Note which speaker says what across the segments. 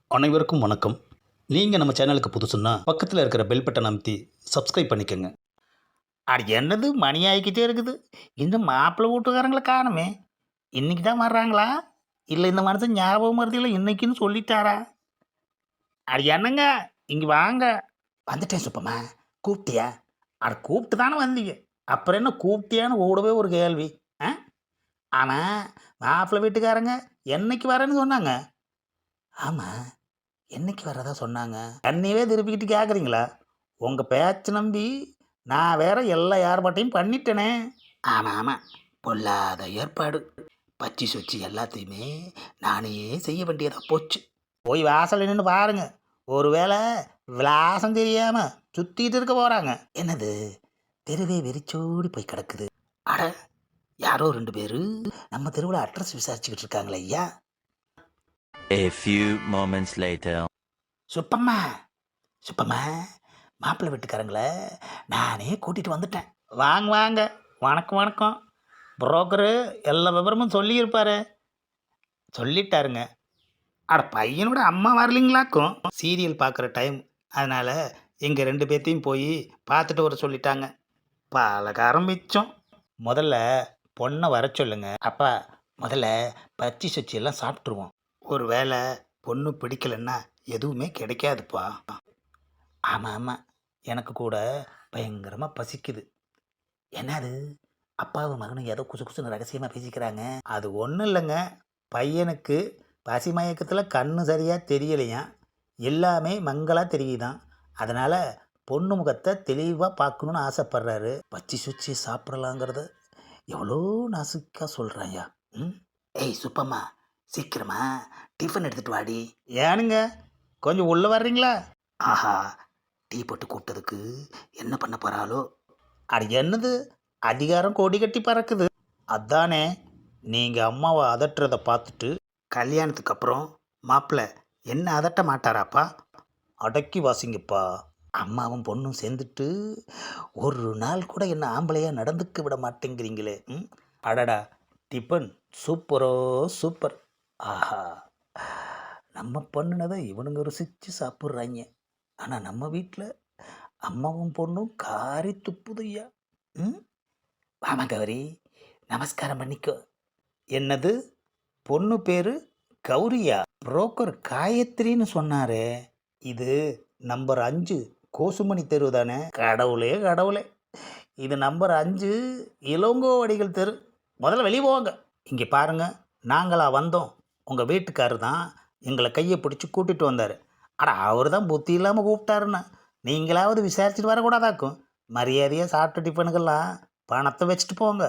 Speaker 1: அனைவருக்கும் வணக்கம். நீங்கள் நம்ம சேனலுக்கு புதுசுன்னா பக்கத்தில் இருக்கிற பெல் பட்டன் அமைத்தி சப்ஸ்கிரைப் பண்ணிக்கோங்க.
Speaker 2: அது என்னது மணி ஆகிக்கிட்டே இருக்குது. இன்னும் மாப்பிள்ளை வீட்டுக்காரங்களை காணுமே. இன்னைக்கு தான் வர்றாங்களா, இல்லை இந்த மனுஷன் ஞாபகம் மருதியில் இன்னைக்குன்னு சொல்லிட்டாரா? அது என்னங்க, இங்கே வாங்க. வந்துட்டேன் சுப்பம்மா. கூப்பிட்டியா? அட கூப்பிட்டு தானே வந்தீங்க. அப்புறம் என்ன கூப்பிட்டியான்னு ஓடவே ஒரு கேள்வி. ஆ ஆனால் மாப்பிள்ளை வீட்டுக்காரங்க என்னைக்கு வரேன்னு சொன்னாங்க. ஆமாம், என்னைக்கு வரதா சொன்னாங்க. என்னையவே திருப்பிக்கிட்டு கேட்குறீங்களா? உங்கள் பேச்சு நம்பி நான் வேற எல்லா ஏற்பாட்டையும் பண்ணிட்டேனே. ஆமாம் ஆமாம், பொல்லாத ஏற்பாடு. பச்சி சொச்சி எல்லாத்தையுமே நானே செய்ய வேண்டியதாக போச்சு. போய் வாசல் நின்று பாருங்க. ஒருவேளை விலாசம் தெரியாம சுத்திட்டு இருக்க போறாங்க. என்னது, தெருவே வெறிச்சோடி போய் கிடக்குது. அட, யாரோ 2 பேரு நம்ம தெருவில் அட்ரஸ் விசாரிச்சுக்கிட்டு இருக்காங்களே ஐயா.
Speaker 3: A few moments later.
Speaker 2: Subbamma, Subbamma, மாப்பிள்ளை வீட்டுக்காரங்கள நானே கூட்டிகிட்டு வந்துட்டேன். வாங்க வாங்க. வணக்கம் வணக்கம். புரோக்கரு எல்லா விவரமும் சொல்லியிருப்பாரு. சொல்லிட்டாருங்க. அட, பையனோட அம்மா வரலிங்களாக்கும். சீரியல் பார்க்குற டைம், அதனால் எங்கள் 2 பேர்த்தையும் போய் பார்த்துட்டு வர சொல்லிட்டாங்க. பலகாரம் மிச்சம். முதல்ல பொண்ணை வர சொல்லுங்க. அப்பா, முதல்ல பச்சி சொச்சி எல்லாம் சாப்பிட்ருவோம். ஒரு வேளை பொண்ணு பிடிக்கலன்னா எதுவுமே கிடைக்காதுப்பா. ஆமாம் ஆமாம், எனக்கு கூட பயங்கரமாக பசிக்குது. என்னது, அப்பாவும் மகனும் ஏதோ குசு குசுன்னு ரகசியமாக பேசிக்கிறாங்க. அது ஒன்றும் இல்லைங்க, பையனுக்கு பசி மயக்கத்தில் கண்ணு சரியாக தெரியலையாம். எல்லாமே மங்களாக தெரியுதான். அதனால் பொண்ணு முகத்தை தெளிவாக பார்க்கணுன்னு ஆசைப்படுறாரு. பச்சி சுச்சி சாப்பிடலாங்கிறத எவ்வளோ நாசுக்காக சொல்கிறாயா. ம், ஏய் சுப்பம்மா, சீக்கிரமா டிஃபன் எடுத்துகிட்டு வாடி. ஏனுங்க, கொஞ்சம் உள்ளே வர்றீங்களா? ஆஹா, டீ போட்டு கூப்பிட்டதுக்கு என்ன பண்ண போகிறாளோ. அது என்னது, அதிகாரம் கொடி கட்டி பறக்குது. அதானே, நீங்கள் அம்மாவை அதட்டுறதை பார்த்துட்டு கல்யாணத்துக்கு அப்புறம் மாப்பிள்ளை என்ன அதட்ட மாட்டாராப்பா? அடக்கி வாசிங்கப்பா. அம்மாவும் பொண்ணும் சேர்ந்துட்டு ஒரு நாள் கூட என்ன ஆம்பளையாக நடந்துக்க விட மாட்டேங்கிறீங்களே. ம், அடடா, டிஃபன் சூப்பரோ சூப்பர். ஆஹா, நம்ம பண்ணினதை இவனுங்க ருசித்து சாப்பிட்றாங்க. ஆனால் நம்ம வீட்டில் அம்மாவும் பொண்ணும் காரி துப்புதையா. ம், வாமா கௌரி, நமஸ்காரம் பண்ணிக்கோ. என்னது, பொண்ணு பேரு கௌரியா? புரோக்கர் காயத்ரின்னு சொன்னாரே. இது நம்பர் 5 கோசுமணி தெரு தானே? கடவுளே கடவுளே, இது நம்பர் 5 இளங்கோவடிகள் தெரு. முதல்ல வெளியே போவாங்க. இங்கே பாருங்க, நாங்களா வந்தோம். உங்கள் வீட்டுக்காரர் தான் எங்களை கையை பிடிச்சி கூட்டிகிட்டு வந்தார். அட, அவர் தான் புத்தி இல்லாமல் கூப்பிட்டாருன்னு நீங்களாவது விசாரிச்சுட்டு வரக்கூடாதாக்கும். மரியாதையாக சாப்பிட்ட டிஃபனுக்கெல்லாம் பணத்தை வச்சுட்டு போங்க.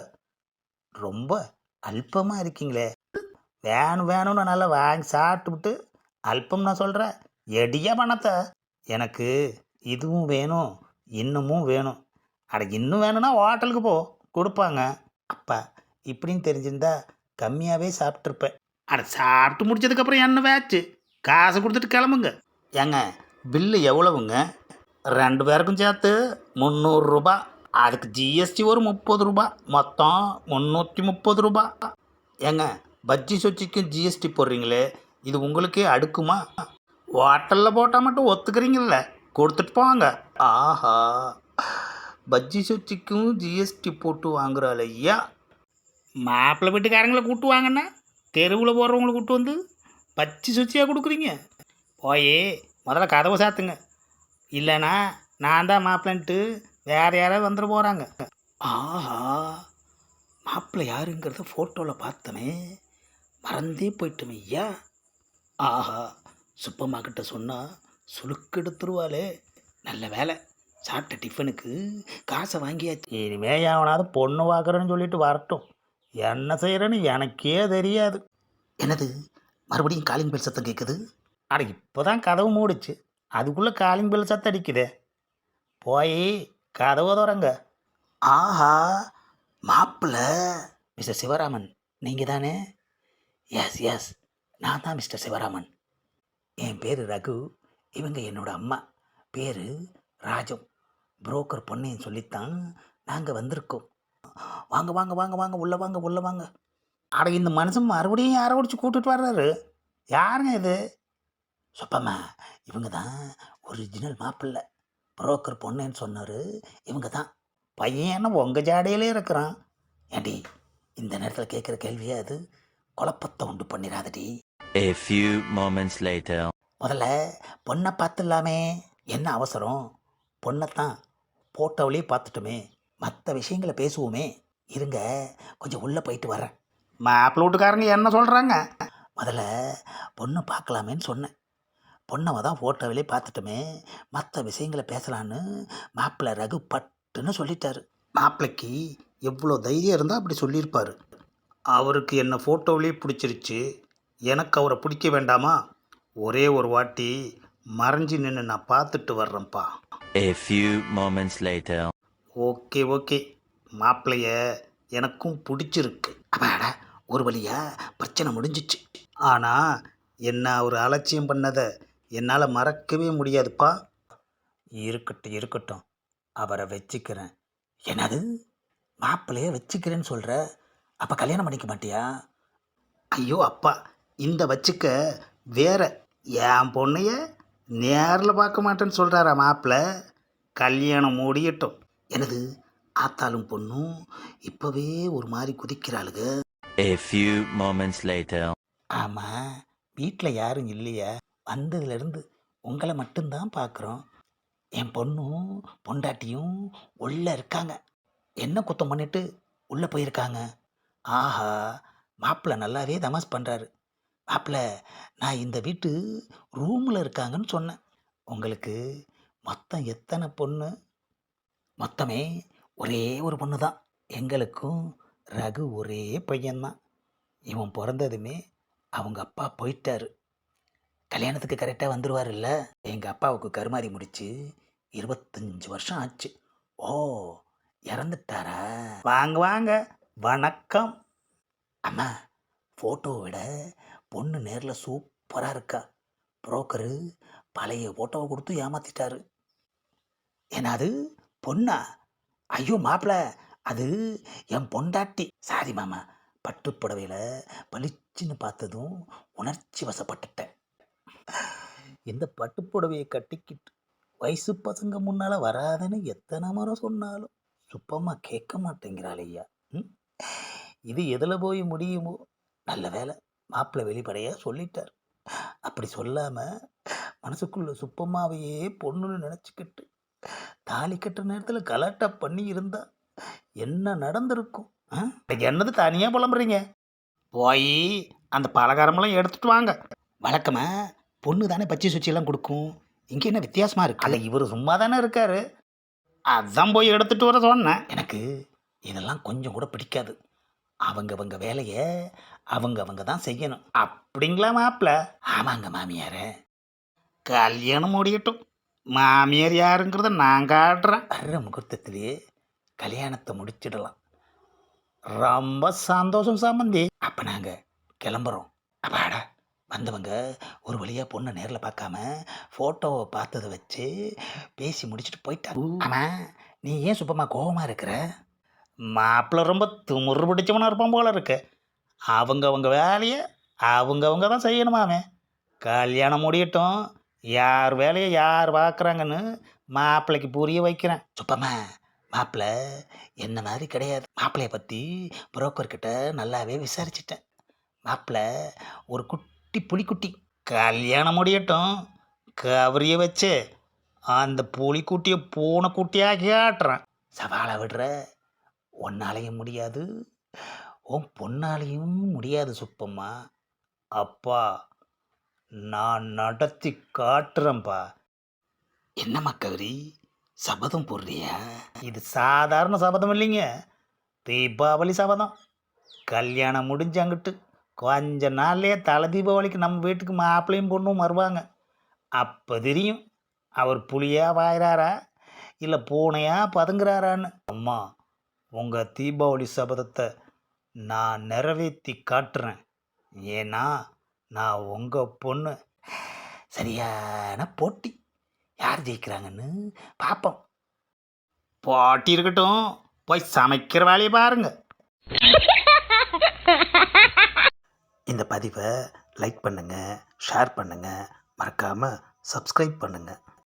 Speaker 2: ரொம்ப அல்பமாக இருக்கீங்களே. வேணும் வேணும்னு நல்லா வாங்கி சாப்பிட்டுவிட்டு அல்பம் நான் சொல்கிறேன். எடியா பணத்தை. எனக்கு இதுவும் வேணும், இன்னமும் வேணும். அட, இன்னும் வேணும்னா ஹோட்டலுக்கு போ, கொடுப்பாங்க. அப்பா, இப்படின்னு தெரிஞ்சிருந்தா கம்மியாகவே சாப்பிட்ருப்பேன். அட, சாப்பிட்டு முடிச்சதுக்கப்புறம் என்ன வேச்சு, காசு கொடுத்துட்டு கிளம்புங்க. ஏங்க, பில்லு எவ்வளவுங்க? 2 பேருக்கும் சேர்த்து 300 ரூபா. அதுக்கு ஜிஎஸ்டி ஒரு 30 ரூபா, மொத்தம் 330 ரூபா. ஏங்க, பஜ்ஜி சொச்சிக்கும் ஜிஎஸ்டி போடுறீங்களே, இது உங்களுக்கே அடுக்குமா? ஹோட்டலில் போட்டால் மட்டும் ஒத்துக்கிறீங்கள, கொடுத்துட்டு போங்க. ஆஹா, பஜ்ஜி சொச்சிக்கும் ஜிஎஸ்டி போட்டு வாங்குறாள் ஐயா. மாப்பிள்ளை வீட்டுக்காரங்களை கூட்டு வாங்கன்னா தெருவில் போடுறவங்களை கூட்டு வந்து பச்சி சுச்சியாக கொடுக்குறீங்க. போய் முதல்ல கதவை சாத்துங்க, இல்லைனா நான் தான் மாப்பிள்ளன்ட்டு வேறு யாராவது வந்துட போகிறாங்க. ஆஹா, மாப்பிள்ளை யாருங்கிறத ஃபோட்டோவில் பார்த்தனே, மறந்தே போயிட்டோம் ஐயா. ஆஹா, சுப்பம்மா கிட்ட சொன்னால் சுளுக்கு எடுத்துருவாளே. நல்ல வேலை, சாப்பிட்ட டிஃபனுக்கு காசை வாங்கியாச்சு. இனிமே எவனாவது பொண்ணு பார்க்குறேன்னு சொல்லிட்டு வரட்டும், என்ன செய்கிறேன்னு எனக்கே தெரியாது. என்னது, மறுபடியும் காலிங் பெல் சத்தம் கேட்குது. அட, இப்போ தான் கதவு மூடிச்சு, அதுக்குள்ளே காலிங் பெல் சத்தம் அடிக்குதே. போய் கதவை திறங்க. ஆஹா, மாப்பிள்ளை மிஸ்டர் சிவராமன் நீங்கள் தானே? எஸ் எஸ், நான் தான் மிஸ்டர் சிவராமன். என் பேர் ரகு, இவங்க என்னோட அம்மா, பேர் ராஜம். புரோக்கர் பொண்ணையும் சொல்லித்தான் நாங்கள் வந்திருக்கோம். வாங்க வாங்க வாங்க வாங்க, உள்ளே வாங்க உள்ளே வாங்க. அட, இந்த மனுஷன் மறுபடியும் யாரை ஒடிச்சு கூப்பிட்டுட்டு வர்றாரு. யாருங்க இது? சுப்பம்மா, இவங்க தான் ஒரிஜினல் மாப்பிள்ளை. புரோக்கர் பொண்ணுன்னு சொன்னார். இவங்க தான். பையன் என்ன உங்கள் ஜாடையிலே இருக்கிறான். ஏண்டி, இந்த நேரத்தில் கேட்குற கேள்வியே அது குழப்பத்தை உண்டு பண்ணிடாதடி.
Speaker 3: A few moments later.
Speaker 2: முதல்ல பொண்ணை பார்த்துடலாமே. என்ன அவசரம்? பொண்ணைத்தான் போட்டோவிலே பார்த்துட்டோமே, மற்ற விஷயங்களை பேசுவோமே. இருங்க, கொஞ்சம் உள்ளே போயிட்டு வரேன். மாப்பிள்ளை வீட்டுக்காரங்க என்ன சொல்கிறாங்க? முதல்ல பொண்ணை பார்க்கலாமேன்னு சொன்னேன். பொண்ணை தான் ஃபோட்டோவிலே பார்த்துட்டோமே, மற்ற விஷயங்களை பேசலான்னு மாப்பிள்ளை ரகு பட்டுன்னு சொல்லிட்டாரு. மாப்பிள்ளைக்கு எவ்வளோ தைரியம் இருந்தால் அப்படி சொல்லியிருப்பார். அவருக்கு என்ன ஃபோட்டோவிலே பிடிச்சிருச்சு, எனக்கு அவரை பிடிக்க வேண்டாமா? ஒரே ஒரு வாட்டி மறைஞ்சு நின்று நான் பார்த்துட்டு வர்றேன்ப்பா.
Speaker 3: A few moments later.
Speaker 2: Okay okay, மாப்பிள்ளைய எனக்கும் பிடிச்சிருக்கு. அப்பாடா, ஒரு வழியா பிரச்சனை முடிஞ்சிச்சு. ஆனால் என்ன அவர் அலட்சியம் பண்ணதை என்னால் மறக்கவே முடியாதுப்பா. இருக்கட்டும் இருக்கட்டும், அவரை வச்சுக்கிறேன். என்னது, மாப்பிள்ளைய வச்சுக்கிறேன்னு சொல்கிற? அப்போ கல்யாணம் பண்ணிக்க மாட்டியா? ஐயோ அப்பா, இந்த வச்சுக்க வேற. என் பொண்ணைய நேரில் பார்க்க மாட்டேன்னு சொல்கிறாரா மாப்பிள்ளை? கல்யாணம் முடியட்டும். எனது ஆத்தாலும் பொண்ணும் இப்போவே ஒரு மாதிரி குதிக்கிறாளுங்க.
Speaker 3: A few moments later.
Speaker 2: ஆமாம், வீட்டில் யாரும் இல்லையா? வந்ததுலேருந்து உங்களை மட்டும்தான் பார்க்குறோம். என் பொண்ணும் பொண்டாட்டியும் உள்ளே இருக்காங்க. என்ன குத்தம் பண்ணிட்டு உள்ளே போயிருக்காங்க? ஆஹா, மாப்பிள்ளை நல்லாவே தமாஸ் பண்ணுறாரு. மாப்பிள்ளை, நான் இந்த வீட்டு ரூமில் இருக்காங்கன்னு சொன்னேன். உங்களுக்கு மொத்தம் எத்தனை பொண்ணு? மொத்தமே ஒரே ஒரு பொண்ணு தான். எங்களுக்கும் ரகு ஒரே பையன்தான். இவன் பிறந்ததுமே அவங்க அப்பா போயிட்டாரு. கல்யாணத்துக்கு கரெக்டாக வந்துடுவார்ல. எங்கள் அப்பாவுக்கு கருமாதி முடிச்சு 25 வருஷம் ஆச்சு. ஓ, இறந்துட்டாரா? வாங்க வாங்க, வணக்கம். அம்மா, ஃபோட்டோவை விட பொண்ணு நேரில் சூப்பராக இருக்கா. புரோக்கரு பழைய ஃபோட்டோவை கொடுத்து ஏமாத்திட்டாரு. என்னது, பொண்ணா? ஐயோ மாப்பிள்ள, அது என் பொண்டாட்டி. சாரி மாமா, பட்டுப்புடவையில் பளிச்சுன்னு பார்த்ததும் உணர்ச்சி வசப்பட்டுட்டேன். இந்த பட்டுப்புடவையை கட்டிக்கிட்டு வயசு பசங்க முன்னால் வராதுன்னு எத்தனை முறை சொன்னாலும் சுப்பமாக கேட்க மாட்டேங்கிறாள் ஐயா. இது எதில் போய் முடியுமோ? நல்ல வேலை, மாப்பிள்ளை வெளிப்படையாக சொல்லிட்டார். அப்படி சொல்லாமல் மனசுக்குள்ள சுப்பம்மாவையே பொண்ணுன்னு நினச்சிக்கிட்டு தாலி கட்டுற நேரத்தில் கலாட்டா பண்ணி இருந்தா என்ன நடந்திருக்கும்? என்னது தனியாக புலம்புறீங்க? போய் அந்த பலகாரமெல்லாம் எடுத்துட்டு வாங்க. வழக்கமாக பொண்ணு தானே பச்சை சுச்சியெல்லாம் கொடுக்கும். இங்கே என்ன வித்தியாசமாக இருக்கு? அல்ல, இவர் சும்மா தானே இருக்காரு, அதான் போய் எடுத்துகிட்டு வர சொன்னேன். எனக்கு இதெல்லாம் கொஞ்சம் கூட பிடிக்காது. அவங்க வேலையை அவங்க தான் செய்யணும். அப்படிங்களா மாப்பிள்ள? ஆமாங்க மாமியாரே. கல்யாணம் முடியட்டும், மாமியார் யாருங்கிறத நான் காட்டுறேன். வர்ற முகூர்த்தத்திலேயே கல்யாணத்தை முடிச்சிடலாம். ரொம்ப சந்தோஷம் சம்பந்தி. அப்போ நாங்கள் கிளம்புறோம். அப்பாடா, வந்தவங்க ஒரு வழியாக பொண்ணை நேரில் பார்க்காம ஃபோட்டோவை பார்த்ததை வச்சு பேசி முடிச்சுட்டு போயிட்டாங்க. ஆமாம், நீ ஏன் சுப்பமா கோபமாக இருக்கிற? மாப்பிள்ளை ரொம்ப துமுறு பிடிச்சவனாக இருப்பான் போல இருக்கு. அவங்க வேலையை அவங்க தான் செய்யணுமாமே. கல்யாணம் முடியட்டும், யார் வேலையை யார் பார்க்குறாங்கன்னு மாப்பிள்ளைக்கு புரிய வைக்கிறேன். சுப்பம்மா, மாப்பிள்ளை என்ன மாதிரி கிடையாது. மாப்பிள்ளையை பற்றி புரோக்கர்கிட்ட நல்லாவே விசாரிச்சிட்டேன். மாப்பிள்ளை ஒரு குட்டி புலிக்குட்டி. கல்யாணம் முடியட்டும், கவரியை வச்சு அந்த புலிக்குட்டியை பூனைக்குட்டியாக காட்டுறேன். சவாலை விடுற, ஒன்னாலையும் முடியாது, உன் பொன்னாலையும் முடியாது சுப்பம்மா. அப்பா, நான் நடத்தி காட்டுறேன்ப்பா. என்னம்மா கௌரி, சபதம் போடுறியா? இது சாதாரண சபதம் இல்லைங்க, தீபாவளி சபதம். கல்யாணம் முடிஞ்சாங்கிட்டு கொஞ்ச நாள்லேயே தலை தீபாவளிக்கு நம்ம வீட்டுக்கு மாப்பிள்ளையும் பொண்ணும் வருவாங்க. அப்போ தெரியும் அவர் புலியாக வாயிறாரா இல்லை பூனையாக பதுங்குறாரான்னு. அம்மா, உங்கள் தீபாவளி சபதத்தை நான் நிறைவேற்றி காட்டுறேன். ஏன்னா நான் உங்கள் பொண்ணு. சரியான போட்டி, யார் ஜெயிக்கிறாங்கன்னு பார்ப்போம். போட்டி இருக்கட்டும், போய் சமைக்கிற வேலையை பாருங்க. இந்த பதிவை லைக் பண்ணுங்கள், ஷேர் பண்ணுங்கள்,
Speaker 1: மறக்காமல் சப்ஸ்கிரைப் பண்ணுங்கள்.